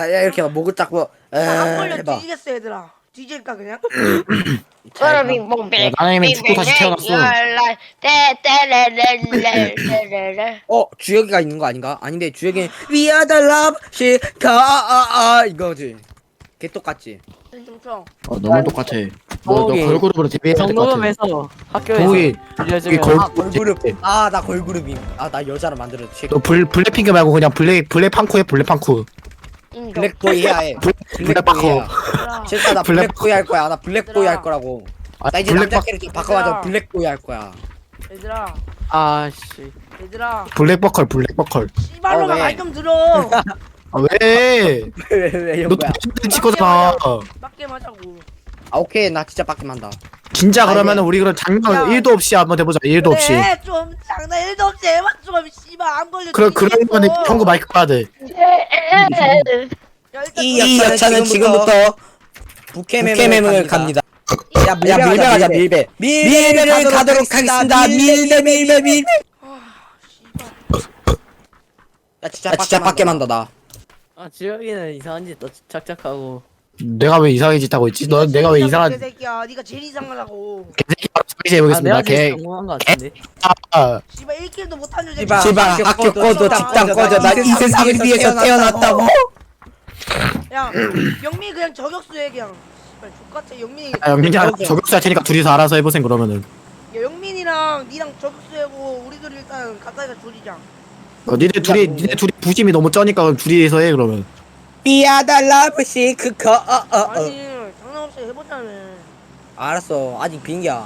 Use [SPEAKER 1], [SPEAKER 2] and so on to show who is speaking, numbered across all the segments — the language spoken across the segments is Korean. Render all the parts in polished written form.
[SPEAKER 1] 야 이렇게 막 목을 잡고
[SPEAKER 2] 한 걸려
[SPEAKER 1] 해봐.
[SPEAKER 2] 뒤지겠어 얘들아. 뒤질까 그냥?
[SPEAKER 1] 잘 봐.
[SPEAKER 3] 야, 나는 이미 죽고 다시 태어났어.
[SPEAKER 1] 주혁이가 있는 거 아닌가? 아닌데 주혁이 We are the love 시카 이거지. 개 똑같지.
[SPEAKER 2] 좀 쳐.
[SPEAKER 3] 너무 똑같아. 너
[SPEAKER 4] 거기
[SPEAKER 3] 걸그룹으로 데뷔해야 될 것 같아.
[SPEAKER 4] 정도면서 학교에서
[SPEAKER 3] 거기
[SPEAKER 4] 빌려주면
[SPEAKER 3] 걸-
[SPEAKER 1] 걸그룹. 나 걸그룹임. 나 여자로 만들었지.
[SPEAKER 3] 너 블랙핑크 말고 그냥 블랙팡쿠 해. 블랙팡쿠.
[SPEAKER 1] 블랙보이 해야 해.
[SPEAKER 3] 블랙바커.
[SPEAKER 2] 얘들아.
[SPEAKER 1] 진짜 나 블랙보이 할 거야. 나 블랙보이 할 거라고. 나 이제 남자
[SPEAKER 3] 블랙바
[SPEAKER 1] 캐릭터 바꿔가지고 블랙보이 할 거야.
[SPEAKER 2] 얘들아.
[SPEAKER 4] 아씨
[SPEAKER 2] 얘들아.
[SPEAKER 3] 블랙버컬 블랙버컬.
[SPEAKER 2] 씨발로만
[SPEAKER 1] 왜?
[SPEAKER 2] 말 좀 들어.
[SPEAKER 3] 왜?
[SPEAKER 1] 왜
[SPEAKER 3] 너
[SPEAKER 1] 뭐야?
[SPEAKER 3] 치 거잖아.
[SPEAKER 2] 맞게 하자고.
[SPEAKER 1] 오케이 나 진짜 빡김 한다.
[SPEAKER 3] 진짜
[SPEAKER 1] 아니,
[SPEAKER 3] 그러면은 우리 그럼 장난
[SPEAKER 2] 야.
[SPEAKER 3] 1도 없이 한번 해보자. 1도 없이.
[SPEAKER 2] 그래 좀 장난 1도 없이 해봐 좀 씨발 안 걸려.
[SPEAKER 3] 그러면은 형구 마이크 꺼야 돼.
[SPEAKER 1] 이 여차는 지금부터 부캐매물 갑니다. 야 밀배하자 밀배. 밀배를 가도록 하겠습니다. 밀배. 야 진짜 빡게 만다 나.
[SPEAKER 4] 아 지혁이는 이상한 짓 또 착착하고
[SPEAKER 3] 내가 왜 이상한 짓 하고 있지? 내가 왜 이상한
[SPEAKER 2] 개새끼야 네가 제일 이상하다고.
[SPEAKER 3] 개새끼 소리 해보겠습니다.
[SPEAKER 4] 내가
[SPEAKER 3] 개.
[SPEAKER 4] 제일 성공한 거 같은데
[SPEAKER 3] 아,
[SPEAKER 2] 씨발 1킬도 못한 줄
[SPEAKER 1] 씨발 학교 꺼져 직장 꺼져 나 이 세상을 위해서 태어났다고.
[SPEAKER 2] 야 영민이 그냥 저격수해 그냥. 씨발 족같아 영민이.
[SPEAKER 3] 영민이야 저격수 할 테니까 둘이서 알아서 해보세요 그러면은.
[SPEAKER 2] 야 영민이랑 니랑 저격수하고 우리들 일단 가까이가 줄이자.
[SPEAKER 3] 니네 둘이 부심이 너무 쩌니까 그럼 둘이서 해 그러면.
[SPEAKER 1] 비아달라브시 그거
[SPEAKER 2] 아니 장난 없이 해보자며.
[SPEAKER 1] 알았어 아직 빙이야.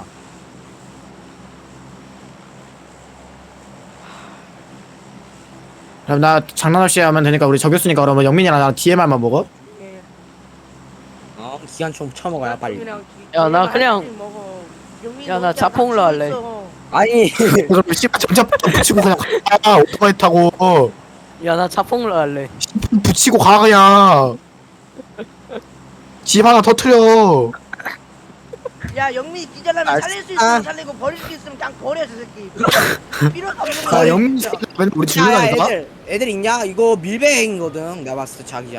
[SPEAKER 3] 그럼 나 장난 없이 하면 되니까 우리 저격수니까 그러면 영민이랑 나랑 DMR만 먹어?
[SPEAKER 2] 예.
[SPEAKER 1] 기간 좀 쳐먹어야 빨리.
[SPEAKER 4] 야, 나 그냥- 야, 나 자폭으로 할래.
[SPEAKER 1] 아니
[SPEAKER 3] 그럼 씨발 점점 붙이고 그냥 가. 오토바이 타고
[SPEAKER 4] 야 나 자폭로 할래
[SPEAKER 3] 붙이고 가 그냥. 집 하나 터트려.
[SPEAKER 2] 야 영민이 기절하면
[SPEAKER 1] 알았어.
[SPEAKER 2] 살릴 수 있으면 살리고 버릴 수 있으면 그냥 버려 저 새끼. 필요도 없는 거.
[SPEAKER 3] 아 영민 씨 맨날 우리 죽는다니까?
[SPEAKER 1] 애들 있냐? 이거 밀배행거든 내가 봤을 때 자기야.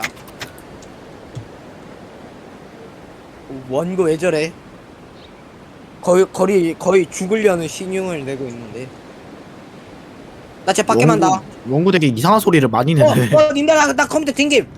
[SPEAKER 1] 원고 왜 저래? 거의 죽으려는 신용을 내고 있는데. 나 진짜 빡게 만다.
[SPEAKER 3] 원구 되게 이상한 소리를 많이 내네.
[SPEAKER 1] 님들 나 컴퓨터 튕김.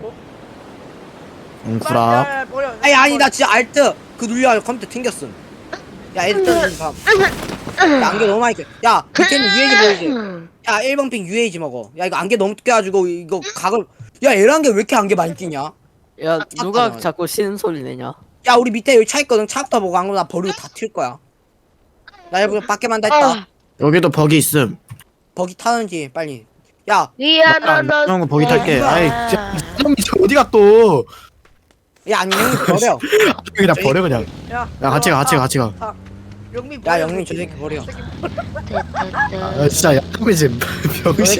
[SPEAKER 3] 웅쿠라.
[SPEAKER 2] 버려.
[SPEAKER 1] 아니 나 진짜 알트 그 눌려 컴퓨터 튕겼음. 야 애들 떠는 감. 야 안개 너무 많이 껴. 야 밑에는 UAG 보이지? 야 1번 핑 UAG 먹어. 야 이거 안개 너무 껴가지고 이거 각을. 야 에란게 왜 이렇게 안개 많이 끼냐?
[SPEAKER 4] 야 누가
[SPEAKER 1] 탔잖아.
[SPEAKER 4] 자꾸 쉬는 소리 내냐
[SPEAKER 1] 야 우리 밑에 여기 차 있거든. 차부터 보고 안 그러면 나 버리고 다 튈 거야. 나 여기 밖에 만다 했다.
[SPEAKER 3] 여기도 버기 있음.
[SPEAKER 1] 버기 타는지 빨리. 야,
[SPEAKER 3] 이런 거 버기 탈게.
[SPEAKER 2] 아.
[SPEAKER 3] 아이 형이 어디가 또?
[SPEAKER 1] 야 안녕 버려.
[SPEAKER 3] 그냥 버려 그냥.
[SPEAKER 2] 야
[SPEAKER 3] 같이 가.
[SPEAKER 2] 영민
[SPEAKER 1] 야 영민 저 새끼 버려.
[SPEAKER 3] 아, 진짜 형이 지금 병신.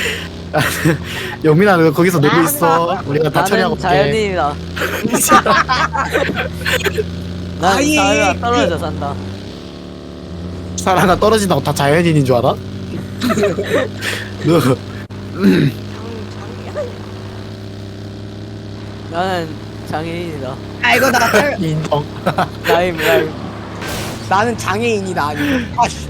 [SPEAKER 3] 영민아 너 거기서 놀고 있어. 우리가 다 처리하고
[SPEAKER 4] 나는
[SPEAKER 3] 올게.
[SPEAKER 4] 자연인이다 난
[SPEAKER 1] 아이,
[SPEAKER 4] 사회가 떨어져 산다
[SPEAKER 3] 사람가 떨어진다고 다 자연인인 줄 알아? 너
[SPEAKER 4] 나는 장애인이다
[SPEAKER 1] 아이고
[SPEAKER 3] 인정.
[SPEAKER 4] 라임
[SPEAKER 1] 나는 장애인이다 아니. 아씨.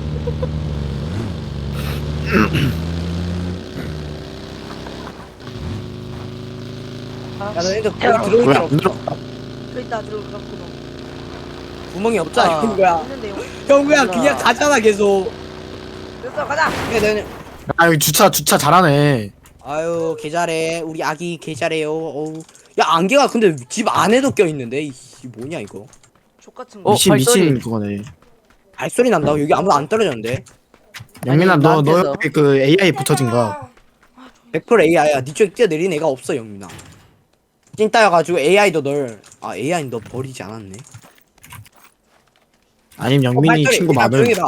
[SPEAKER 1] 야 너희들 거기 들어올
[SPEAKER 3] 왜
[SPEAKER 1] 줄
[SPEAKER 3] 안 들어?
[SPEAKER 2] 그랬다 들어갔구나.
[SPEAKER 1] 구멍이 없잖아 형구야.
[SPEAKER 2] 있는데요.
[SPEAKER 1] 형구야 그냥 가잖아 계속.
[SPEAKER 2] 됐어 가자.
[SPEAKER 1] 그래 너는.
[SPEAKER 3] 아 여기 주차 잘하네.
[SPEAKER 1] 아유 개 잘해 우리 아기 개 잘해요. 어우. 야 안개가 근데 집 안에도 껴 있는데 이 뭐냐 이거.
[SPEAKER 2] 족같은 거.
[SPEAKER 4] 어? 발소리.
[SPEAKER 3] 미친 그거네.
[SPEAKER 1] 발소리 난다고 여기 아무도 안 떨어졌는데.
[SPEAKER 3] 영민아
[SPEAKER 4] 아니,
[SPEAKER 3] 너
[SPEAKER 4] 나한테서.
[SPEAKER 3] 여기 그 AI 붙여진 거야.
[SPEAKER 1] 100% AI야. 니쪽에 뛰어내린 애가 없어 영민아. 찐따여가지고 AI도 AI는 너 버리지 않았네.
[SPEAKER 3] 아님 영민이 친구 많을.
[SPEAKER 1] 조용히 봐.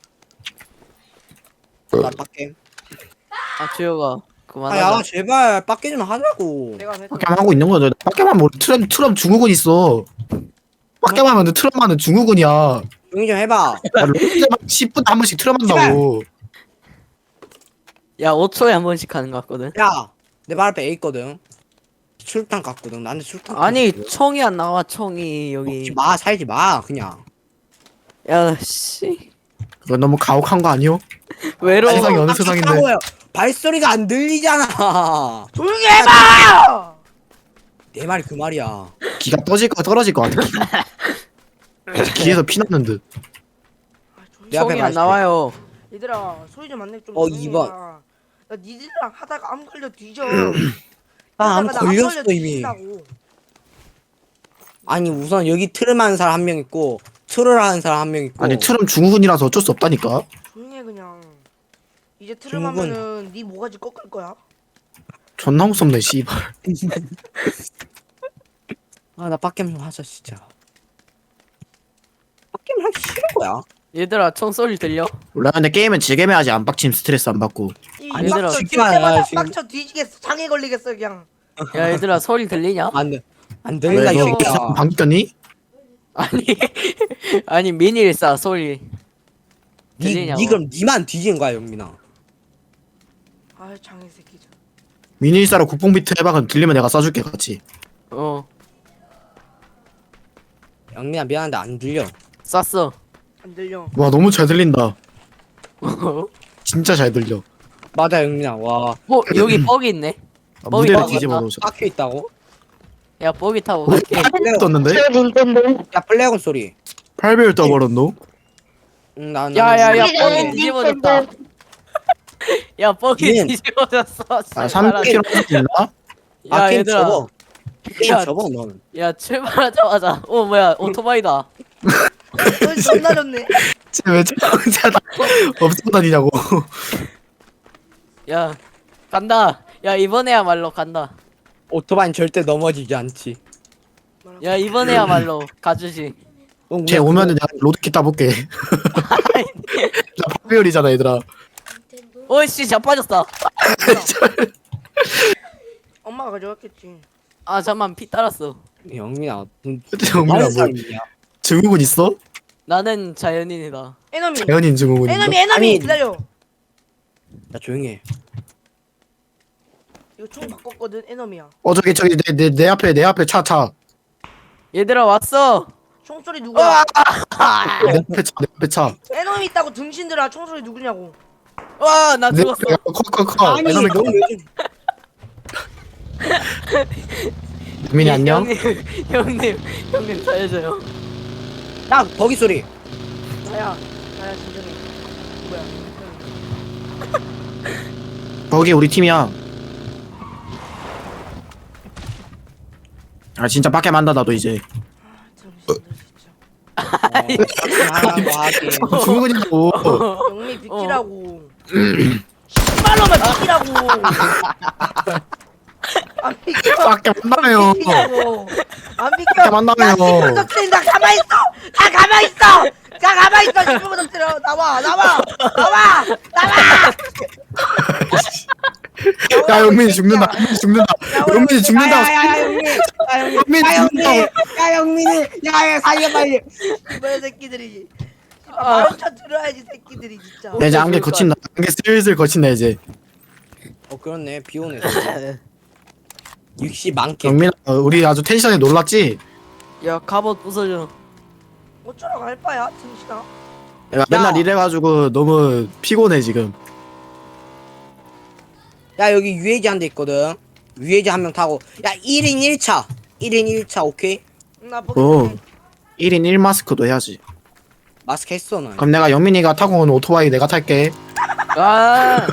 [SPEAKER 1] 나 빡게.
[SPEAKER 4] 아 주혁아
[SPEAKER 1] 아야
[SPEAKER 4] 그만하자
[SPEAKER 1] 제발 빡게 좀 하자고.
[SPEAKER 2] 내가 했어.
[SPEAKER 3] 빡게만 하고 있는 거죠. 빡게만 뭐 트럼 증후군 있어. 빡게만 하면 트럼하는 증후군이야.
[SPEAKER 1] 조용히 좀 해봐.
[SPEAKER 3] 10분에 한 번씩 트럼 한다고.
[SPEAKER 4] 야 5초에 한 번씩 하는 거 같거든
[SPEAKER 1] 야, 내 발 앞에 애 있거든. 술탄 갔거든. 나한테 술탄.
[SPEAKER 4] 아니
[SPEAKER 1] 줬어.
[SPEAKER 4] 총이 안 나와 총이
[SPEAKER 1] 먹지
[SPEAKER 4] 여기.
[SPEAKER 1] 마, 살지 마, 그냥.
[SPEAKER 4] 야 씨.
[SPEAKER 3] 그건 너무 가혹한 거 아니요?
[SPEAKER 4] 외로워.
[SPEAKER 3] 세상이 어느
[SPEAKER 1] 아,
[SPEAKER 3] 세상인데.
[SPEAKER 1] 깜짝이야. 발소리가 안 들리잖아.
[SPEAKER 2] 조용히 해봐.
[SPEAKER 1] 내 말이 그 말이야.
[SPEAKER 3] 기가 떨어질 것 같아. 기가. 귀에서 피 나는 듯.
[SPEAKER 2] 아, 조용히
[SPEAKER 1] 내 앞에
[SPEAKER 4] 총이 안
[SPEAKER 1] 발소리.
[SPEAKER 4] 나와요.
[SPEAKER 2] 얘들아 소리 좀 안 내. 좀
[SPEAKER 1] 어,
[SPEAKER 2] 조용히
[SPEAKER 1] 2번.
[SPEAKER 2] 해라. 야 니들이랑 하다가 암 걸려 뒤져.
[SPEAKER 1] 아, 암
[SPEAKER 2] 하다가 나
[SPEAKER 1] 걸렸어,
[SPEAKER 2] 걸려
[SPEAKER 1] 이미.
[SPEAKER 2] 뒤진다고.
[SPEAKER 1] 아니, 우선 여기 트름 하는 사람 한 명 있고, 트롤 하는 사람 한 명 있고.
[SPEAKER 3] 아니 트럼 중후군이라서 어쩔 수 없다니까.
[SPEAKER 2] 조용히 해 그냥. 이제 트름
[SPEAKER 1] 중국은-
[SPEAKER 2] 하면은 네 모가지 꺾을 거야.
[SPEAKER 3] 존나 무섭네 씨발.
[SPEAKER 1] 아, 나 빡겜 좀 하자, 진짜. 빡겜 하기 싫은 거야.
[SPEAKER 4] 얘들아 총소리 들려?
[SPEAKER 3] 원래 근데 게임은 즐겜 해야지 안 빡침 스트레스 안 받고.
[SPEAKER 2] 이
[SPEAKER 1] 아니,
[SPEAKER 2] 빡쳐
[SPEAKER 1] 지금
[SPEAKER 2] 질 때마다
[SPEAKER 1] 아니야, 지금.
[SPEAKER 2] 빡쳐 뒤지겠어. 장애 걸리겠어 그냥.
[SPEAKER 4] 야 얘들아 소리 들리냐?
[SPEAKER 1] 안 들린다, 이
[SPEAKER 3] 너
[SPEAKER 1] 새끼야.
[SPEAKER 3] 방귀 꼈니?
[SPEAKER 4] 아니 아니 미니일사 소리 들리냐고.
[SPEAKER 1] 니 그럼 니만 뒤지는 거야, 영민아.
[SPEAKER 2] 아 장애 새끼.
[SPEAKER 3] 미니사로 국뽕 비트 해봐. 그럼 들리면 내가 쏴줄게 같이.
[SPEAKER 4] 어
[SPEAKER 1] 영민아, 미안한데 안 들려.
[SPEAKER 4] 쐈어.
[SPEAKER 2] 안 들려.
[SPEAKER 3] 와 너무 잘 들린다. 진짜 잘 들려.
[SPEAKER 1] 맞아, 영민아. 와,
[SPEAKER 4] 여기 뻑이 있네.
[SPEAKER 3] 아,
[SPEAKER 4] 뻑이
[SPEAKER 3] 무대를
[SPEAKER 4] 나왔다.
[SPEAKER 3] 뒤집어 놓으셨.
[SPEAKER 1] 빡혀 있다고?
[SPEAKER 4] 야 뻑이 타고
[SPEAKER 3] 어?
[SPEAKER 4] 갈게.
[SPEAKER 3] 떴는데?
[SPEAKER 1] 야, 플레어건 소리.
[SPEAKER 3] 8배율 떠버렸노?
[SPEAKER 1] 응, 난.
[SPEAKER 4] 야야야
[SPEAKER 1] 난-
[SPEAKER 4] 뻑이 뒤집어졌다. 야 뻑이
[SPEAKER 1] 얘는-
[SPEAKER 4] 뒤집어졌어.
[SPEAKER 3] 아 3kg 있나?
[SPEAKER 1] 아,
[SPEAKER 4] 야
[SPEAKER 1] 게임
[SPEAKER 4] 얘들아.
[SPEAKER 1] 접어. 게임
[SPEAKER 4] 야,
[SPEAKER 1] 접어, 넌.
[SPEAKER 4] 야 출발하자마자 뭐야 오토바이다.
[SPEAKER 2] 너 존나 좋네.
[SPEAKER 3] 쟤왜 혼자 다 없어 다니냐고.
[SPEAKER 4] 야 간다. 야 이번에야말로 간다.
[SPEAKER 1] 오토바이는 절대 넘어지지 않지.
[SPEAKER 4] 야 이번에야말로 가주지.
[SPEAKER 3] 쟤 오면은 내가 로드킷 따볼게. 나 8배율이잖아 얘들아.
[SPEAKER 4] 오이씨 자빠졌어.
[SPEAKER 2] 엄마가 가져갔겠지.
[SPEAKER 4] 아 잠만 피 따랐어.
[SPEAKER 1] 영민아,
[SPEAKER 3] 정민아 뭐
[SPEAKER 1] 사람이야.
[SPEAKER 3] 증후군 있어?
[SPEAKER 4] 나는 자연인이다.
[SPEAKER 2] 에너미.
[SPEAKER 3] 자연인 증후군인가?
[SPEAKER 2] 에너미
[SPEAKER 1] 아니.
[SPEAKER 2] 기다려.
[SPEAKER 1] 나 조용히 해.
[SPEAKER 2] 이거 총 바꿨거든 에너미야.
[SPEAKER 3] 저기 내 앞에 차.
[SPEAKER 4] 얘들아 왔어.
[SPEAKER 2] 총소리 누구야?
[SPEAKER 3] 내 앞에 차.
[SPEAKER 2] 에너미 있다고 등신들아 총소리 누구냐고.
[SPEAKER 4] 와 나
[SPEAKER 3] 내
[SPEAKER 4] 죽었어.
[SPEAKER 3] 커.
[SPEAKER 1] 아니,
[SPEAKER 3] 에너미 커.
[SPEAKER 1] 넌 요즘
[SPEAKER 3] 민이 안녕.
[SPEAKER 4] 형님 살려줘요.
[SPEAKER 1] 야, 버기 소리.
[SPEAKER 2] 나야 진정해. 누구야?
[SPEAKER 3] 거기 우리 팀이야. 아 진짜 밖에 만다 나도 이제.
[SPEAKER 2] 등신들 진짜.
[SPEAKER 1] 하라고 하긴.
[SPEAKER 3] 증후군이고.
[SPEAKER 2] 영미 비키라고. 말로만 비키라고. 안 비켜.
[SPEAKER 3] 밖에 만나요.
[SPEAKER 2] 비키라고. 안
[SPEAKER 3] 밖에
[SPEAKER 2] 비켜.
[SPEAKER 3] 만나요.
[SPEAKER 2] 나 나 가만 있어. 나 가만 있어. 나 가만 있어. 10분 터뜨려. 나와.
[SPEAKER 3] 야 영민이 죽는다. 영민이 죽는다.
[SPEAKER 1] 야, 영민. 야, 영민이. 야, 살려 빨리.
[SPEAKER 2] 이번 새끼들이. 말을 쳐 들어야지 새끼들이 진짜.
[SPEAKER 3] 야, 이제 안개 거친다. 안개 슬슬 거친다 이제.
[SPEAKER 1] 그렇네. 비 오네. 60 많게.
[SPEAKER 3] 영민아 우리 아주 텐션에 놀랐지?
[SPEAKER 4] 야 갑옷 부숴줘.
[SPEAKER 2] 어쩌라고 할 바야 등신아.
[SPEAKER 3] 야 맨날 이래가지고 너무 피곤해 지금.
[SPEAKER 1] 야, 여기 UAG 한 대 있거든. UAG 한 명 타고. 야, 1인 1차. 1인 1차, 오케이?
[SPEAKER 2] 나 보기
[SPEAKER 3] 오.
[SPEAKER 2] 전에
[SPEAKER 3] 1인 1마스크도 해야지.
[SPEAKER 1] 마스크 했어, 너.
[SPEAKER 3] 그럼 내가 영민이가 타고 온 오토바이 내가 탈게.
[SPEAKER 4] 아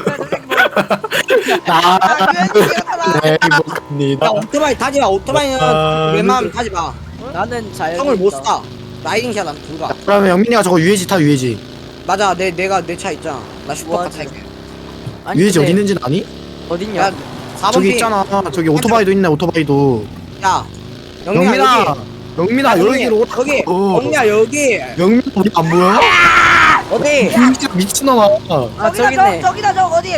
[SPEAKER 3] 네,
[SPEAKER 1] 야,
[SPEAKER 3] 행복합니다.
[SPEAKER 1] 오토바이 타지 마. 오토바이는
[SPEAKER 3] 아,
[SPEAKER 1] 웬만하면 타지 마.
[SPEAKER 4] 나는 자연인이다.
[SPEAKER 1] 형을 못 사. 라이딩샷 안 들어가.
[SPEAKER 3] 그러면 영민이가 저거 UAG 타 UAG.
[SPEAKER 1] 맞아, 내가 내 차 있잖아. 나 슈퍼카
[SPEAKER 4] 뭐하지?
[SPEAKER 1] 탈게.
[SPEAKER 4] 아니,
[SPEAKER 3] UAG
[SPEAKER 4] 근데
[SPEAKER 3] 어디 있는지 아니?
[SPEAKER 4] 어딨냐?
[SPEAKER 1] 야, 4번
[SPEAKER 3] 저기
[SPEAKER 1] 핑.
[SPEAKER 3] 있잖아. 저기 오토바이도 있네 오토바이도.
[SPEAKER 1] 야, 영민아,
[SPEAKER 3] 영민아.
[SPEAKER 1] 여기.
[SPEAKER 3] 영민아 여기로 오라.
[SPEAKER 1] 여기. 영민아, 여기.
[SPEAKER 3] 영민 우리 안 보여?
[SPEAKER 1] 어디?
[SPEAKER 3] 진짜 미친놈아.
[SPEAKER 4] 아 저기 있네.
[SPEAKER 2] 저기다 저 어디?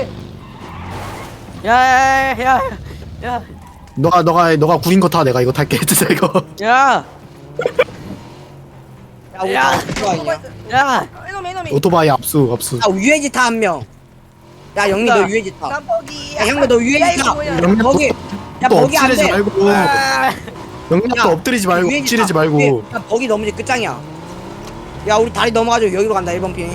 [SPEAKER 4] 야야야야. 야.
[SPEAKER 3] 너가 구린 거 타. 내가 이거 탈게. 진짜 이거.
[SPEAKER 4] 야.
[SPEAKER 1] 야, 우리
[SPEAKER 4] 야.
[SPEAKER 1] 다 오토바이냐?
[SPEAKER 4] 야.
[SPEAKER 2] 에너미.
[SPEAKER 3] 오토바이 압수.
[SPEAKER 1] 아, UAG 타 한 명. 야 영미 너 유해지 타.
[SPEAKER 2] 난 버기.
[SPEAKER 1] 야 형도 너
[SPEAKER 2] 야,
[SPEAKER 1] 유해지
[SPEAKER 2] 이거
[SPEAKER 1] 타.
[SPEAKER 2] 뭐야?
[SPEAKER 3] 영미
[SPEAKER 1] 버기. 야
[SPEAKER 3] 또
[SPEAKER 1] 버기 안
[SPEAKER 3] 엎드리지
[SPEAKER 1] 돼.
[SPEAKER 3] 말고 영미
[SPEAKER 1] 야,
[SPEAKER 3] 또 엎드리지 말고
[SPEAKER 1] 유해지
[SPEAKER 3] 엎드리지
[SPEAKER 1] 타.
[SPEAKER 3] 말고
[SPEAKER 1] 야 버기 넘어지 끝장이야. 야 우리 다리 넘어가지고 여기로 간다 1번 핑.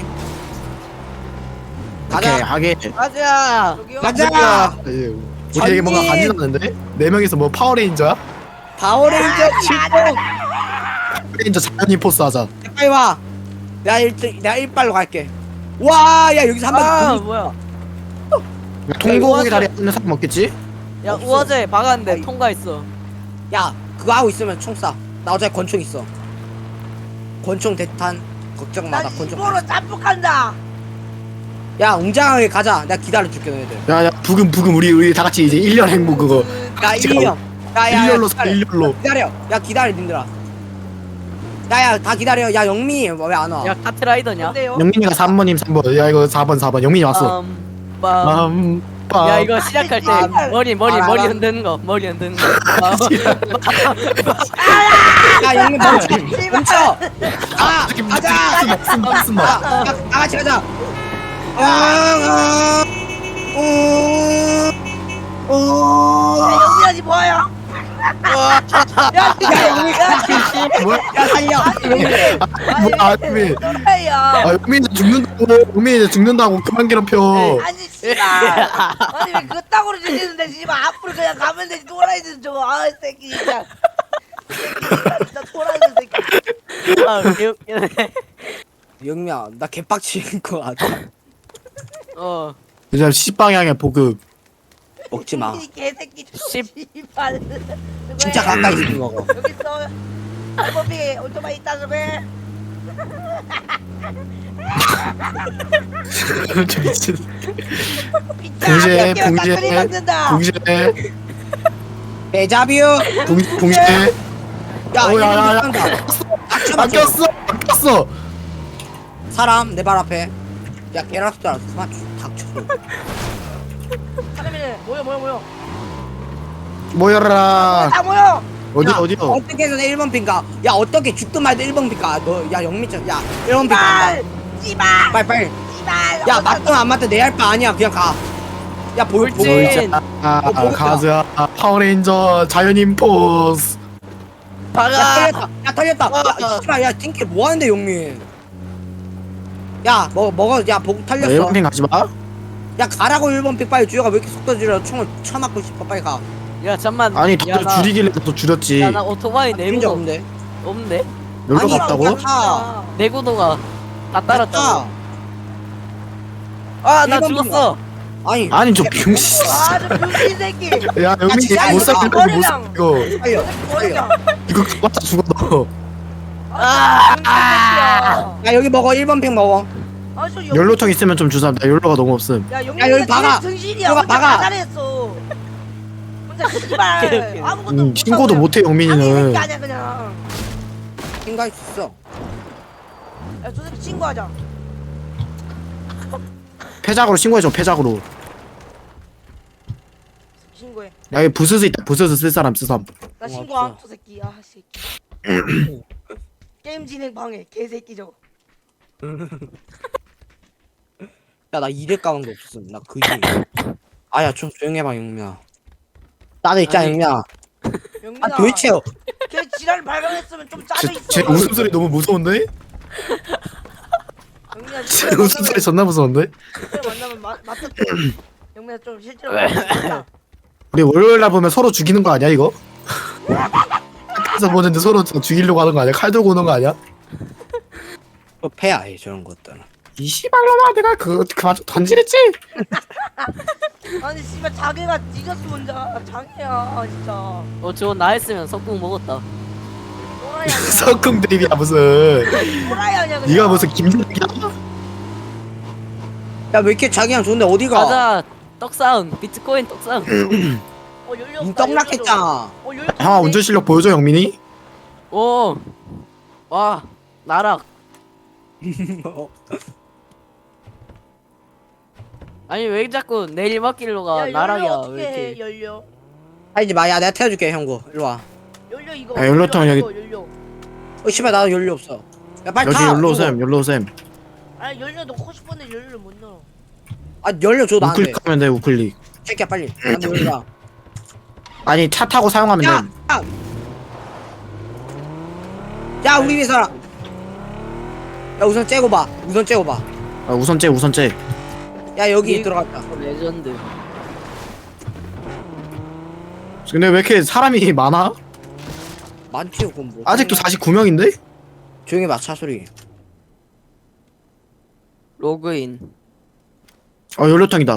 [SPEAKER 3] 오케이
[SPEAKER 1] 가자.
[SPEAKER 3] 하게
[SPEAKER 4] 가자.
[SPEAKER 2] 저기요?
[SPEAKER 1] 가자.
[SPEAKER 3] 우리에게 뭔가
[SPEAKER 1] 전진.
[SPEAKER 3] 간지나는데? 4명이서 뭐 파워레인저야?
[SPEAKER 1] 파워레인저 출동.
[SPEAKER 3] 파워레인저 자연인 포스 하자.
[SPEAKER 1] 야, 빨리 와. 내가 1등 내가 1발로 갈게. 와, 야 여기서 한
[SPEAKER 4] 아
[SPEAKER 1] 번.
[SPEAKER 4] 뭐야?
[SPEAKER 3] 통고기 다리 하는 사람 없겠지?
[SPEAKER 4] 야
[SPEAKER 1] 없어.
[SPEAKER 4] 우아제 박았는데 통과했어.
[SPEAKER 1] 야 그거 하고 있으면 총 쏴. 나 어차피 권총 있어. 권총 대탄 걱정 마. 나
[SPEAKER 2] 난
[SPEAKER 1] 권총.
[SPEAKER 2] 입으로 짬뽕한다.
[SPEAKER 1] 야 웅장하게 가자. 내가 기다려줄게 너희들.
[SPEAKER 3] 야야 부금 우리 다 같이 이제 1년 행복 그거
[SPEAKER 1] 야
[SPEAKER 3] 진짜
[SPEAKER 1] 1년. 야야
[SPEAKER 3] 일렬로 사 일렬로
[SPEAKER 1] 기다려. 야 기다려 님들아. 야야 다 기다려. 야 영미 왜 안 와?
[SPEAKER 4] 야 카트라이더냐?
[SPEAKER 2] 근데요?
[SPEAKER 3] 영민이가 3번님 3번 야 이거 4번 영민이 왔어
[SPEAKER 4] 빰.
[SPEAKER 3] 빰빰
[SPEAKER 4] 야 이거 시작할 때
[SPEAKER 2] 아,
[SPEAKER 4] 머리
[SPEAKER 1] 아,
[SPEAKER 4] 흔드는 거 머리 흔드는 거.
[SPEAKER 1] 야 영미 멈춰. 멈춰. 아 가자.
[SPEAKER 3] 쓴다
[SPEAKER 1] 다 같이 가자.
[SPEAKER 2] 야, 영민아지 뭐야? 야,
[SPEAKER 1] 영민.
[SPEAKER 3] 뭐야
[SPEAKER 1] 야 살려.
[SPEAKER 3] 뭐야 아미
[SPEAKER 2] 또라이야.
[SPEAKER 3] 아 영민이 죽는다고 영민이 죽는다고 그만 괴롭혀
[SPEAKER 2] 아니 씨발. 아니 왜 그따구로 들리는데 씨발 앞으로 그냥 가면 되지 또라이들 저거 아 새끼 진짜. 진짜 또라이들 새끼.
[SPEAKER 4] 아 개웃기네.
[SPEAKER 1] 영미야 나 개빡치는 거 같아.
[SPEAKER 4] 어.
[SPEAKER 3] 이제 10방향에 보급
[SPEAKER 1] 먹지 마.
[SPEAKER 2] 이 개새끼
[SPEAKER 4] 씨.
[SPEAKER 2] 씨발.
[SPEAKER 1] 진짜 가까이 있는 먹어.
[SPEAKER 2] 여기 있어. 알법이 오토바이 있다 저게.
[SPEAKER 3] 저 미친
[SPEAKER 2] 붕시에
[SPEAKER 3] 붕시에
[SPEAKER 2] 만든다.
[SPEAKER 3] 붕시에
[SPEAKER 1] 데자뷰.
[SPEAKER 3] 붕시에
[SPEAKER 1] 야
[SPEAKER 3] 어, 야, 야, 야.
[SPEAKER 1] 닥쳐.
[SPEAKER 3] 바뀌었어
[SPEAKER 1] 사람 내 발 앞에. 야 개라스 줄 알았어. 그만 닥쳐.
[SPEAKER 2] 사람이네 모여.
[SPEAKER 3] 모여라
[SPEAKER 2] 다 모여.
[SPEAKER 3] 어디요
[SPEAKER 1] 어떻게 해서 내 1번 핑가? 야 어떻게 죽든 말든 1번 핑가? 너야 영미짱 야 1번 핑
[SPEAKER 2] 씨발.
[SPEAKER 1] 간다.
[SPEAKER 2] 씨발.
[SPEAKER 1] 빨리.
[SPEAKER 2] 씨발.
[SPEAKER 1] 야 맞든 안 맞든 내 할 바 아니야. 그냥 가. 야 보여
[SPEAKER 4] 옳지.
[SPEAKER 1] 보여.
[SPEAKER 3] 가자 파워레인저 자연인 포스
[SPEAKER 1] 야 털렸다. 야 씨발 야 팅킬 뭐 하는데 영미? 야 먹어 야 보고 털렸어.
[SPEAKER 3] 1번핑 가지마
[SPEAKER 1] 야 가라고 1번 픽 빨리 주여가 왜 이렇게 속도 줄여 총을 쳐맞고 싶어 빨리 가.
[SPEAKER 4] 야 잠만.
[SPEAKER 3] 아니 다들 줄이길래 또 줄였지
[SPEAKER 4] 야나 오토바이
[SPEAKER 1] 죽인 적
[SPEAKER 4] 내구도
[SPEAKER 1] 없는데.
[SPEAKER 4] 없는데?
[SPEAKER 3] 여기로
[SPEAKER 1] 아니,
[SPEAKER 3] 갔다고?
[SPEAKER 1] 야, 타.
[SPEAKER 4] 내구도가 다 따랐다고.
[SPEAKER 1] 타.
[SPEAKER 4] 아 나
[SPEAKER 1] 일본
[SPEAKER 4] 죽었어.
[SPEAKER 1] 아니
[SPEAKER 3] 아니 저 병신
[SPEAKER 2] 아저 병신 새끼.
[SPEAKER 3] 야 영민이
[SPEAKER 1] 진짜
[SPEAKER 3] 못
[SPEAKER 1] 이거
[SPEAKER 3] 살게 못
[SPEAKER 2] 머리랑.
[SPEAKER 3] 살게 이거
[SPEAKER 1] 살려.
[SPEAKER 2] 머리야.
[SPEAKER 3] 이거 맞다 죽어 너
[SPEAKER 2] 아.
[SPEAKER 1] 야 여기 먹어 1번 픽 먹어.
[SPEAKER 2] 아저
[SPEAKER 3] 연료통 있으면 좀 주사 나 연료가 너무 없음
[SPEAKER 2] 야
[SPEAKER 1] 야, 여기
[SPEAKER 2] 영민이가
[SPEAKER 1] 박아.
[SPEAKER 2] 등신이야.
[SPEAKER 1] 여기
[SPEAKER 2] 혼자
[SPEAKER 1] 박아.
[SPEAKER 2] 다 잘했어. 혼자 씨발 아무것도
[SPEAKER 3] 신고도 못해 영민이는
[SPEAKER 2] 아니 아니야 그냥.
[SPEAKER 1] 생각 있어.
[SPEAKER 2] 야저 새끼 신고하자.
[SPEAKER 3] 폐작으로 신고해줘 폐작으로
[SPEAKER 2] 신고해.
[SPEAKER 3] 야 여기 부스스 있다 부스스 쓸 사람 쓰삼
[SPEAKER 2] 나
[SPEAKER 1] 어,
[SPEAKER 2] 신고함
[SPEAKER 1] 없어.
[SPEAKER 2] 저 새끼. 아 새끼. 게임 진행 방해 개새끼 저거.
[SPEAKER 1] 야나 2대 까는 거 없음. 나 그지. 아야 좀 조용히 해봐 영미야. 나도 있잖아
[SPEAKER 4] 아니.
[SPEAKER 1] 영미야.
[SPEAKER 2] 영민아.
[SPEAKER 1] 아 도대체
[SPEAKER 2] 걔 지랄 발견했으면 좀 짜져 있어.
[SPEAKER 3] 제 웃음소리 너무 무서운데?
[SPEAKER 2] 영민아
[SPEAKER 3] 제
[SPEAKER 2] 실제로
[SPEAKER 3] 웃음소리 존나 무서운데?
[SPEAKER 2] 만나면 맞다. 영민아 좀 실제로 만나면
[SPEAKER 3] 우리 월요일날 보면 서로 죽이는 거 아니야 이거? 학교에서 보는데 서로 죽이려고 하는 거 아니야? 칼 들고 오는 거 아니야?
[SPEAKER 1] 또 패야 해 저런 것들은.
[SPEAKER 3] 이 씨발놈아 내가 그만 좀 던지랬지?
[SPEAKER 2] 아니 씨발 자기가 뒤졌어 혼자 장애야 진짜.
[SPEAKER 4] 어 저거 나 했으면 석궁 먹었다.
[SPEAKER 2] 또라이 아니야.
[SPEAKER 3] 석궁 드립이야 무슨
[SPEAKER 2] 또라이 아니야 그냥.
[SPEAKER 3] 네가 무슨 김대리야?
[SPEAKER 1] 야 왜 이렇게 자기랑 좋은데 어디가?
[SPEAKER 4] 가자. 떡사운 비트코인 떡사운.
[SPEAKER 2] 연료
[SPEAKER 1] 니
[SPEAKER 2] 없다,
[SPEAKER 1] 떡락했잖아.
[SPEAKER 2] 연료
[SPEAKER 3] 형아 운전 실력 보여줘 영민이?
[SPEAKER 4] 오. 와 나락. 아니 왜 자꾸 내리막길로가 나락이야
[SPEAKER 2] 어떻게
[SPEAKER 4] 왜
[SPEAKER 2] 해
[SPEAKER 4] 이렇게.
[SPEAKER 2] 연료.
[SPEAKER 1] 하지 마. 야 내가 태워줄게 형구. 일로 와.
[SPEAKER 2] 연료 이거.
[SPEAKER 3] 야, 연료통 여기-
[SPEAKER 2] 연료.
[SPEAKER 1] 어 씨발 나도 연료 없어. 야 빨리
[SPEAKER 3] 여기
[SPEAKER 1] 타.
[SPEAKER 3] 연로샘 연로샘
[SPEAKER 2] 아니 연료 넣고 싶은데 연료를 못 넣어.
[SPEAKER 1] 아 열려줘 나한테.
[SPEAKER 3] 우클릭하면 돼 우클릭.
[SPEAKER 1] 새끼야 빨리. 나한테 열려.
[SPEAKER 3] 아니 차 타고 사용하면
[SPEAKER 1] 야!
[SPEAKER 3] 돼.
[SPEAKER 1] 야! 야 우리 위에 살아. 야 우선 째고 봐. 우선 째고 봐.
[SPEAKER 3] 아, 우선째 우선째.
[SPEAKER 1] 야 여기 들어갔다.
[SPEAKER 4] 레전드.
[SPEAKER 3] 근데 왜 이렇게 사람이 많아?
[SPEAKER 1] 많지 그건 뭐.
[SPEAKER 3] 아직도 49명인데?
[SPEAKER 1] 조용히 봐 차 소리.
[SPEAKER 4] 로그인.
[SPEAKER 3] 연료통이다.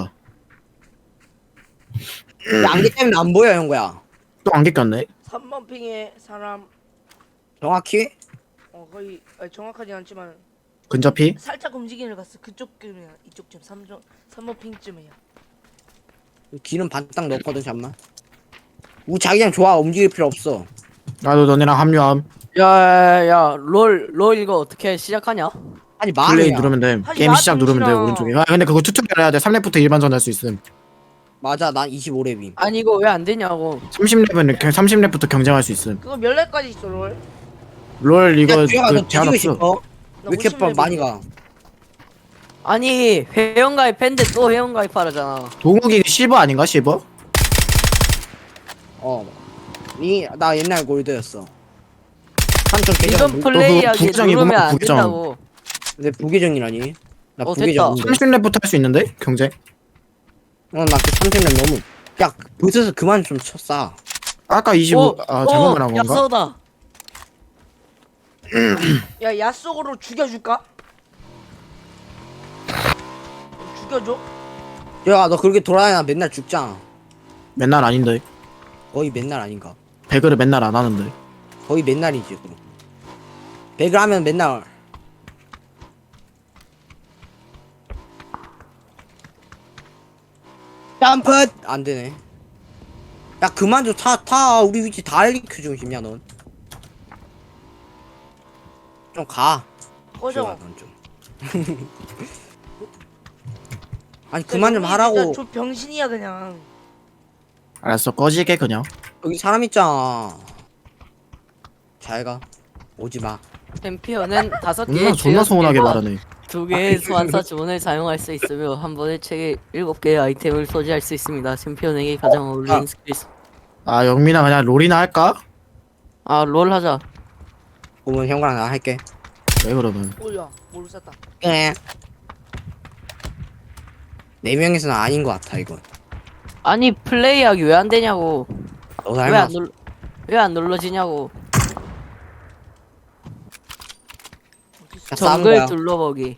[SPEAKER 1] 야, 안개 때문에 안 보여 형거야.
[SPEAKER 3] 또 안개 꼈네.
[SPEAKER 2] 3번 핑에 사람
[SPEAKER 1] 정확히?
[SPEAKER 2] 거의 정확하진 않지만
[SPEAKER 3] 근접히?
[SPEAKER 2] 살짝 움직이는 것 같어. 그쪽쯤이야. 이쪽쯤 3번 핑쯤이야.
[SPEAKER 1] 기름 반딱 넣었거든 잠만. 우리 자기장 좋아 움직일 필요 없어.
[SPEAKER 3] 나도 너네랑 합류함.
[SPEAKER 4] 야야야 롤 이거 어떻게 시작하냐?
[SPEAKER 1] 아니
[SPEAKER 3] 플레이
[SPEAKER 1] 말이야.
[SPEAKER 3] 누르면 돼.
[SPEAKER 2] 하지
[SPEAKER 3] 게임
[SPEAKER 2] 마,
[SPEAKER 3] 시작 누르면 돼
[SPEAKER 2] 정신아.
[SPEAKER 3] 오른쪽에. 아 근데 그거 튜토리얼 해야 돼. 3렙부터 일반전 할 수 있음.
[SPEAKER 1] 맞아 난 25렙임.
[SPEAKER 4] 아니 이거 왜 안 되냐고.
[SPEAKER 3] 30렙은 30렙부터 경쟁할 수 있음.
[SPEAKER 2] 그거 몇 렙까지 있어 롤?
[SPEAKER 3] 롤 이거
[SPEAKER 1] 야 주영아
[SPEAKER 3] 그
[SPEAKER 1] 너
[SPEAKER 3] 제한
[SPEAKER 1] 뒤지고
[SPEAKER 3] 없어.
[SPEAKER 1] 싶어? 왜 이렇게
[SPEAKER 2] 50렙
[SPEAKER 1] 많이 가?
[SPEAKER 4] 아니 회원가입했는데 또 회원가입하라잖아.
[SPEAKER 3] 동욱이 실버 아닌가 실버?
[SPEAKER 1] 나 옛날 골드였어. 삼촌 계정
[SPEAKER 4] 이건
[SPEAKER 1] 뭐-
[SPEAKER 4] 플레이하기
[SPEAKER 3] 부계정이구만,
[SPEAKER 4] 누르면 안
[SPEAKER 3] 부계정.
[SPEAKER 4] 된다고.
[SPEAKER 1] 내 부계정이라니. 나
[SPEAKER 4] 됐다.
[SPEAKER 1] 부계정인데.
[SPEAKER 3] 30렙부터 할 수 있는데 경쟁?
[SPEAKER 1] 나그 30렙 너무. 야 보스에서 그만 좀 쳤어.
[SPEAKER 3] 아까 25. 잘못 말한 건가?
[SPEAKER 4] 야쏘다.
[SPEAKER 2] 야 야속으로 죽여줄까? 죽여줘?
[SPEAKER 1] 야너 그렇게 돌아다니나 맨날 죽잖아.
[SPEAKER 3] 맨날 아닌데.
[SPEAKER 1] 거의 맨날 아닌가?
[SPEAKER 3] 배그를 맨날 안 하는데.
[SPEAKER 1] 거의 맨날이지 그럼. 배그 하면 맨날. 점프 안 되네. 야 그만 좀 타 우리 위치 다 알려주고 싶냐 넌? 좀 가.
[SPEAKER 2] 꺼져.
[SPEAKER 1] 넌 좀. 아니 그만 좀 하라고.
[SPEAKER 2] 저 병신이야 그냥.
[SPEAKER 3] 알았어 꺼지게 그냥.
[SPEAKER 1] 여기 사람 있잖아. 잘 가. 오지 마.
[SPEAKER 4] 챔피언은 5개의
[SPEAKER 3] 존나 소원하게 말하네.
[SPEAKER 4] 2개의 소환사 주문을 사용할 수 있으며 한 번에 책에 7개의 아이템을 소지할 수 있습니다. 챔피언에게 가장 어울리는 스킬.
[SPEAKER 3] 아 영민아 그냥 롤이나 할까?
[SPEAKER 4] 롤 하자.
[SPEAKER 1] 그러면 형과랑 나 할게.
[SPEAKER 3] 왜 그러면?
[SPEAKER 2] 오야 뭘 쐈다.
[SPEAKER 1] 예. 4명이서는 아닌 것 같아 이건.
[SPEAKER 4] 아니 플레이하기 왜 안 되냐고.
[SPEAKER 1] 너
[SPEAKER 4] 왜
[SPEAKER 1] 닮았어.
[SPEAKER 4] 왜 안 눌러지냐고.
[SPEAKER 1] 야, 싸운
[SPEAKER 4] 정글
[SPEAKER 1] 거야.
[SPEAKER 4] 둘러보기.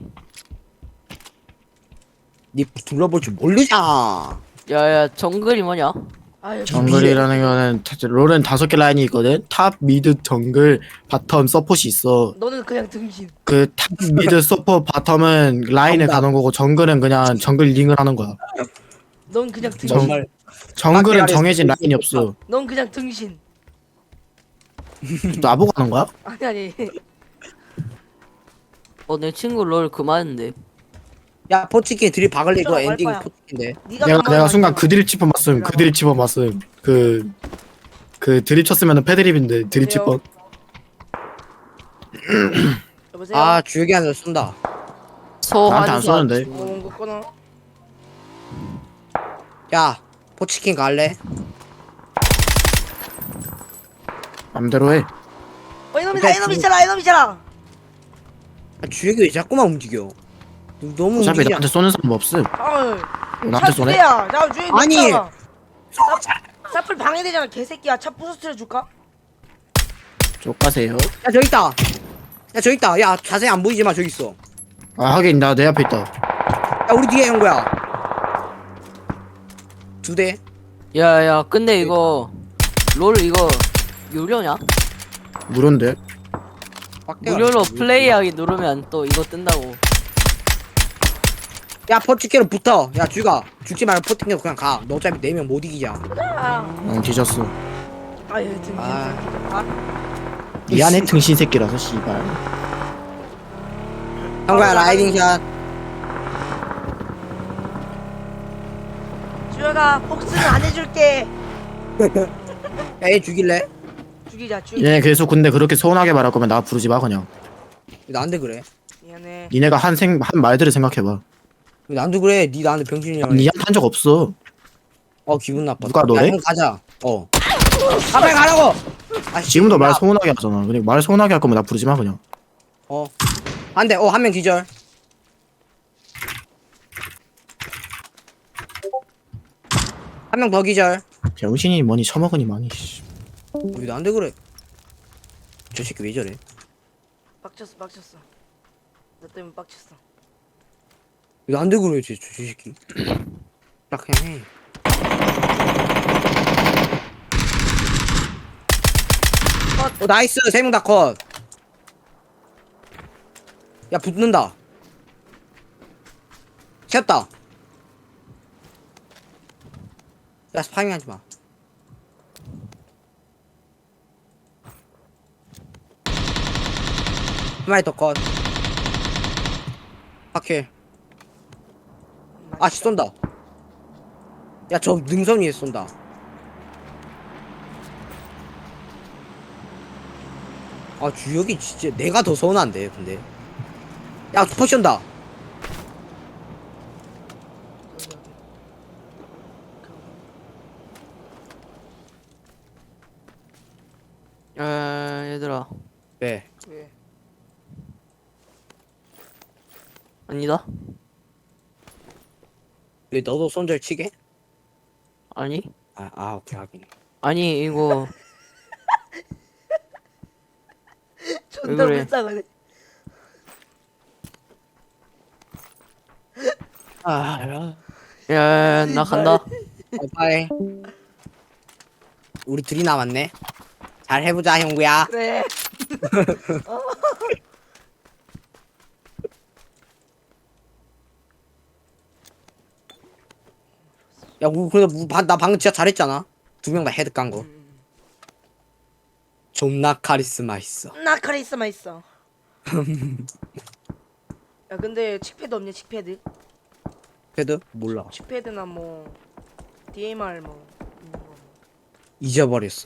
[SPEAKER 1] 니 둘러볼 줄 모르잖아.
[SPEAKER 4] 야야 정글이 뭐냐?
[SPEAKER 2] 아유
[SPEAKER 3] 정글이라는 거는 롤은 5개 라인이 있거든. 탑, 미드, 정글, 바텀, 서폿이 있어.
[SPEAKER 2] 너는 그냥 등신.
[SPEAKER 3] 그 탑, 미드, 서폿, 바텀은 라인을
[SPEAKER 1] 정답.
[SPEAKER 3] 가는 거고 정글은 그냥 정글 링을 하는 거야.
[SPEAKER 2] 넌 그냥 등신.
[SPEAKER 1] 정말.
[SPEAKER 3] 정글은
[SPEAKER 1] 밖에
[SPEAKER 3] 정해진
[SPEAKER 1] 아래에서
[SPEAKER 3] 라인이 없어.
[SPEAKER 2] 넌 그냥 등신.
[SPEAKER 3] 나보고 하는 거야?
[SPEAKER 2] 아니.
[SPEAKER 4] 내 친구 롤 그만인데.
[SPEAKER 1] 야 포치킨 들이 박을래 이거
[SPEAKER 2] 할
[SPEAKER 1] 엔딩
[SPEAKER 2] 거야.
[SPEAKER 1] 포치킨데.
[SPEAKER 2] 네가
[SPEAKER 3] 내가
[SPEAKER 2] 가만히
[SPEAKER 3] 순간
[SPEAKER 2] 앉아봐.
[SPEAKER 3] 그 드립 짚어 봤음. 그 드립 짚어 봤음. 그 드립 쳤으면은 패드립인데 드립 짚어.
[SPEAKER 2] 여보세요.
[SPEAKER 1] 아 주혁이 한테 쏜다.
[SPEAKER 3] 나한테 안
[SPEAKER 4] 소환사.
[SPEAKER 3] 쏘는데.
[SPEAKER 2] 온 거 끊어.
[SPEAKER 1] 야 포치킨 갈래?
[SPEAKER 3] 맘대로 해.
[SPEAKER 2] 이놈이다 이놈 있잖아 이놈 있잖아.
[SPEAKER 1] 아, 주혁이 왜 자꾸만 움직여? 너무
[SPEAKER 3] 어차피
[SPEAKER 1] 움직이지
[SPEAKER 3] 나한테 쏘는 사람 없음.
[SPEAKER 2] 아유.
[SPEAKER 3] 나한테 쏘네?
[SPEAKER 2] 야, 나 주인
[SPEAKER 1] 아니.
[SPEAKER 2] 사플 방해되잖아 개새끼야. 차 부서뜨려 줄까?
[SPEAKER 3] 족가세요.
[SPEAKER 1] 야 저기 있다. 야 저기 있다. 야 자세히 안 보이지만 저기 있어.
[SPEAKER 3] 아 하긴 나 내 앞에 있다.
[SPEAKER 1] 야 우리 뒤에 형 거야. 2대.
[SPEAKER 4] 야야 근데 이거 롤 이거 유료냐?
[SPEAKER 3] 무료인데.
[SPEAKER 4] 무료로 플레이하기 누르면 또 이거 뜬다고.
[SPEAKER 1] 야 포치킨으로 붙어. 야 주가 죽지 말고 포치킨으로 그냥 가. 너 어차피 4명 못 이기자.
[SPEAKER 3] 응 뒤졌어.
[SPEAKER 2] 아유 등신.
[SPEAKER 1] 아.
[SPEAKER 3] 미안해 등신 새끼라서 씨발.
[SPEAKER 1] 형 거야 라이딩샷.
[SPEAKER 2] 주혁아 복수는 안 해줄게.
[SPEAKER 1] 야얘 죽일래?
[SPEAKER 2] 죽이자 죽.
[SPEAKER 3] 얘 계속 근데 그렇게 서운하게 말할 거면 나 부르지 마 그냥.
[SPEAKER 1] 나한테 그래.
[SPEAKER 2] 미안해.
[SPEAKER 3] 니네가 한 말들을 생각해봐.
[SPEAKER 1] 왜 나한테 그래? 니 나한테 병신이라고.
[SPEAKER 3] 니한테 한 적 없어.
[SPEAKER 1] 기분 나빠.
[SPEAKER 3] 누가 너래?
[SPEAKER 1] 야, 형 가자. 가만히 가라고. 아,
[SPEAKER 3] 지금도 말
[SPEAKER 1] 야,
[SPEAKER 3] 서운하게 하잖아. 그냥 말 서운하게 할 거면 나 부르지 마 그냥.
[SPEAKER 1] 한 대. 한 명 기절. 한 명 더 기절.
[SPEAKER 3] 병신이 뭐니 처먹으니 많이. 씨.
[SPEAKER 1] 왜 나한테 그래? 저 새끼 왜 저래?
[SPEAKER 2] 빡쳤어. 너 때문에 빡쳤어.
[SPEAKER 1] 왜 나한테 그래, 저 새끼. 딱 그냥 해. 나이스. 세 명 다 컷. 야, 붙는다. 켰다. 야, 스파밍 하지 마. 한 마리 더 컷. 파킬. 씨, 쏜다. 야, 저 능선 위에 쏜다. 주혁이 진짜 내가 더 서운한데, 근데. 야, 포션다.
[SPEAKER 4] 얘들아.
[SPEAKER 1] 네.
[SPEAKER 2] 왜?
[SPEAKER 4] 아니다.
[SPEAKER 1] 왜 너도 손절 치게?
[SPEAKER 4] 아니.
[SPEAKER 1] 오케이, 하긴.
[SPEAKER 4] 아니 이거
[SPEAKER 2] 존나
[SPEAKER 4] 그래?
[SPEAKER 2] 불쌍하네.
[SPEAKER 4] 야, 나 간다.
[SPEAKER 1] 빠이. 우리 둘이 남았네. 잘 해보자, 형구야.
[SPEAKER 2] 그래.
[SPEAKER 1] 야, 나 방금 진짜 잘했잖아. 두 명 다 헤드 깐 거. 존나 카리스마 있어.
[SPEAKER 2] 나 카리스마 있어. 야 근데 칙패드 없냐 칙패드?
[SPEAKER 1] 헤드? 몰라.
[SPEAKER 2] 칙패드나 뭐 DMR 뭐 있는 거 뭐.
[SPEAKER 1] 잊어버렸어.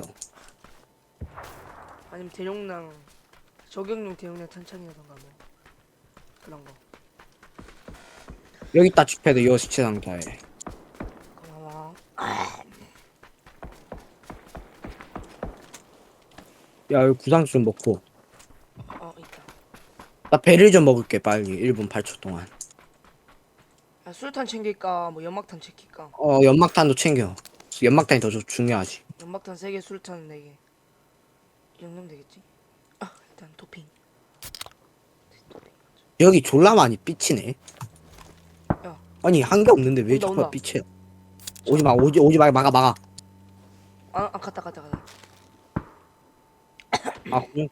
[SPEAKER 2] 아니면 대용량 저격용 대용량 탄창이라던가 뭐 그런 거.
[SPEAKER 1] 여기 있다, 칙패드. 요 시체 상자에.
[SPEAKER 2] 고마워.
[SPEAKER 1] 야, 여기 구상수 좀 먹고.
[SPEAKER 2] 있다.
[SPEAKER 1] 나 배를 좀 먹을게, 빨리. 1분 8초 동안.
[SPEAKER 2] 야, 술탄 챙길까 뭐 연막탄 챙길까?
[SPEAKER 1] 연막탄도 챙겨. 연막탄이 더 중요하지.
[SPEAKER 2] 연막탄 3개 술탄 4개. 이 정도면 되겠지? 일단 토핑.
[SPEAKER 1] 여기 졸라 많이 삐치네.
[SPEAKER 2] 야.
[SPEAKER 1] 아니, 한 게 없는데 왜
[SPEAKER 2] 온다,
[SPEAKER 1] 자꾸
[SPEAKER 2] 온다.
[SPEAKER 1] 삐쳐요? 오지 마, 막아.
[SPEAKER 2] 갔다.
[SPEAKER 1] 그래?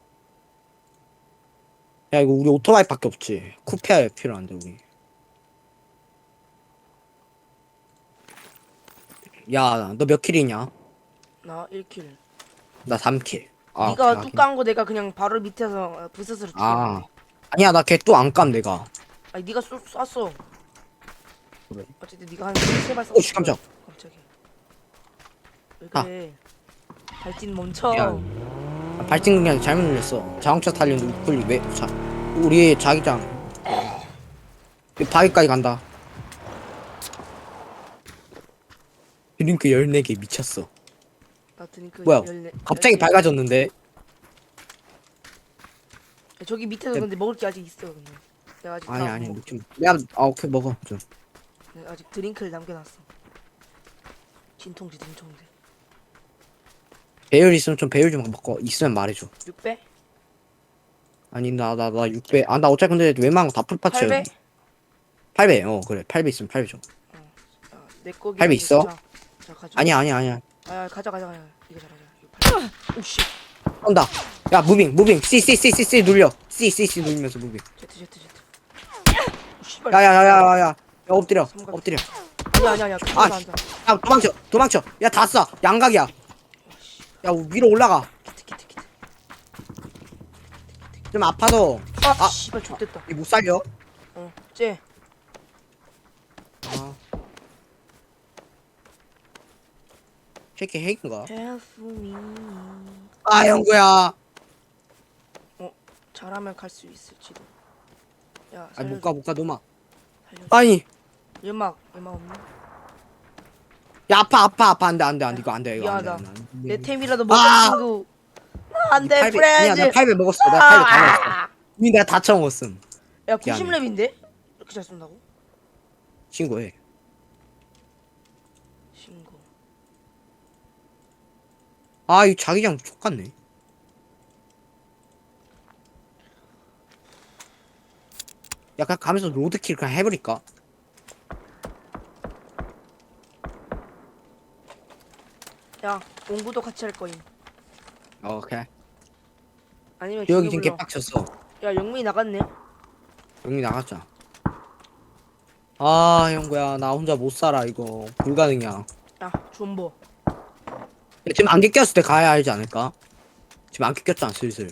[SPEAKER 1] 야, 이거 우리 오토바이밖에 없지. 쿠페 필요한데, 우리. 야, 너 몇 킬이냐?
[SPEAKER 2] 나 1킬.
[SPEAKER 1] 나 3킬.
[SPEAKER 2] 네가 뚝 깐 거 내가 그냥 바로 밑에서 부스스로
[SPEAKER 1] 아.
[SPEAKER 2] 죽였네.
[SPEAKER 1] 아니야, 나 걔 또 안 깜, 내가.
[SPEAKER 2] 아니 네가 쐈어.
[SPEAKER 1] 그래.
[SPEAKER 2] 어쨌든 네가 한 3발 쐈어.
[SPEAKER 1] 씨, 깜짝.
[SPEAKER 2] 갑자기. 왜 그래? 발진 멈춰.
[SPEAKER 1] 야. 발진 그냥 잘못 눌렸어. 자동차 타려는데 우클릭 왜? 우리 자기장. 바위까지 간다. 드링크 14개 미쳤어.
[SPEAKER 2] 나 드링크
[SPEAKER 1] 뭐야?
[SPEAKER 2] 14
[SPEAKER 1] 갑자기
[SPEAKER 2] 14개.
[SPEAKER 1] 밝아졌는데?
[SPEAKER 2] 야, 저기 밑에도 근데 먹을 게 아직 있어. 근데 내가 아직
[SPEAKER 1] 아니,
[SPEAKER 2] 다
[SPEAKER 1] 아니,
[SPEAKER 2] 못
[SPEAKER 1] 먹지 마. 내가, 오케이, 먹어. 좀.
[SPEAKER 2] 내가 아직 드링크를 남겨놨어. 진통제.
[SPEAKER 1] 배율 있으면 좀 배율 좀 먹고, 있으면 말해줘.
[SPEAKER 2] 6배?
[SPEAKER 1] 아니, 나 6배. 나 어차피 근데 웬만한 거 다 풀파츠야.
[SPEAKER 2] 8배?
[SPEAKER 1] 8배, 그래. 8배 있으면 8배 줘.
[SPEAKER 2] 내 거기.
[SPEAKER 1] 8배 있어?
[SPEAKER 2] 자 가져.
[SPEAKER 1] 아니야.
[SPEAKER 2] 가자. 이거 자. 이거 8배. 오씨.
[SPEAKER 1] 온다. 야, 무빙. C 눌려. C 누르면서 무빙.
[SPEAKER 2] Z. 씨발.
[SPEAKER 1] 야, 엎드려.
[SPEAKER 2] 아니야.
[SPEAKER 1] 아,
[SPEAKER 2] 앉아.
[SPEAKER 1] 야, 도망쳐. 야, 다 쏴. 양각이야. 야, 위로 올라가.
[SPEAKER 2] 키트.
[SPEAKER 1] 좀 아파도.
[SPEAKER 2] 씨발 좆됐다.
[SPEAKER 1] 못 살려.
[SPEAKER 2] 쟤.
[SPEAKER 1] 새끼 핵인가?
[SPEAKER 2] Help me.
[SPEAKER 1] 형구야.
[SPEAKER 2] 잘하면 갈 수 있을지도. 야,
[SPEAKER 1] 못 가, 놈아. 아니
[SPEAKER 2] 연막 없네.
[SPEAKER 1] 야 아파 안돼 이거 안돼 이거
[SPEAKER 2] 미안하다.
[SPEAKER 1] 안돼
[SPEAKER 2] 내 템이라도 먹어
[SPEAKER 1] 아!
[SPEAKER 2] 친구. 안돼
[SPEAKER 1] 아니야
[SPEAKER 2] 프렌즈.
[SPEAKER 1] 나 8배 먹었어 내가 8배 다 먹었어 이미 내가 다 처먹었음
[SPEAKER 2] 야
[SPEAKER 1] 미안해.
[SPEAKER 2] 90렙인데? 이렇게 잘 쏜다고?
[SPEAKER 1] 신고해
[SPEAKER 2] 신고.
[SPEAKER 1] 아 이 자기장 족같네 약간 가면서 로드킬 그냥 해버릴까?
[SPEAKER 2] 야 공부도 같이 할 거임.
[SPEAKER 1] 오케이
[SPEAKER 2] 아니면
[SPEAKER 1] 여기
[SPEAKER 2] 중요
[SPEAKER 1] 지금
[SPEAKER 2] 불러.
[SPEAKER 1] 개빡쳤어
[SPEAKER 2] 야 영민이 나갔네.
[SPEAKER 1] 여기 나갔자 아 형구야 나 혼자 못 살아 이거 불가능이야
[SPEAKER 2] 야 존버.
[SPEAKER 1] 야, 지금 안개 꼈을 때 가야 알지 않을까? 지금 안개 꼈잖아 슬슬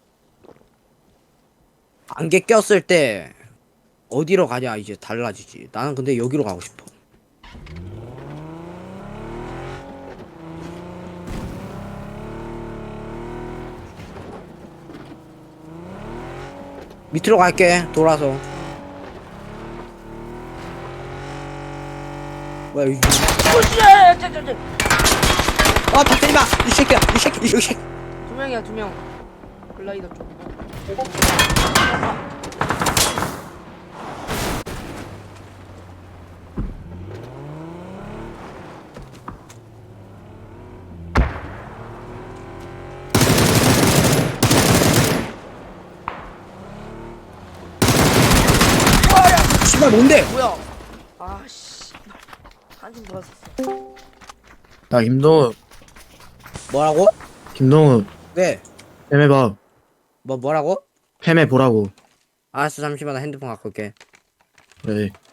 [SPEAKER 1] 안개 꼈을 때 어디로 가냐 이제 달라지지 나는 근데 여기로 가고 싶어 밑으로 갈게 돌아서 뭐야 이
[SPEAKER 2] 오씨!
[SPEAKER 1] 아 박대리마 이 새끼야 이 새끼
[SPEAKER 2] 두 명이야 두 명. 글라이더 쪽.
[SPEAKER 1] 씨발 뭔데
[SPEAKER 2] 뭐야? 아씨. 한팀 들어왔어.
[SPEAKER 3] 야 김동우
[SPEAKER 1] 뭐라고?
[SPEAKER 3] 김동우
[SPEAKER 1] 왜?
[SPEAKER 3] 팸해봐.
[SPEAKER 1] 뭐라고?
[SPEAKER 3] 팸해보라고.
[SPEAKER 1] 알았어 잠시만 나 핸드폰 갖고 올게
[SPEAKER 3] 그래.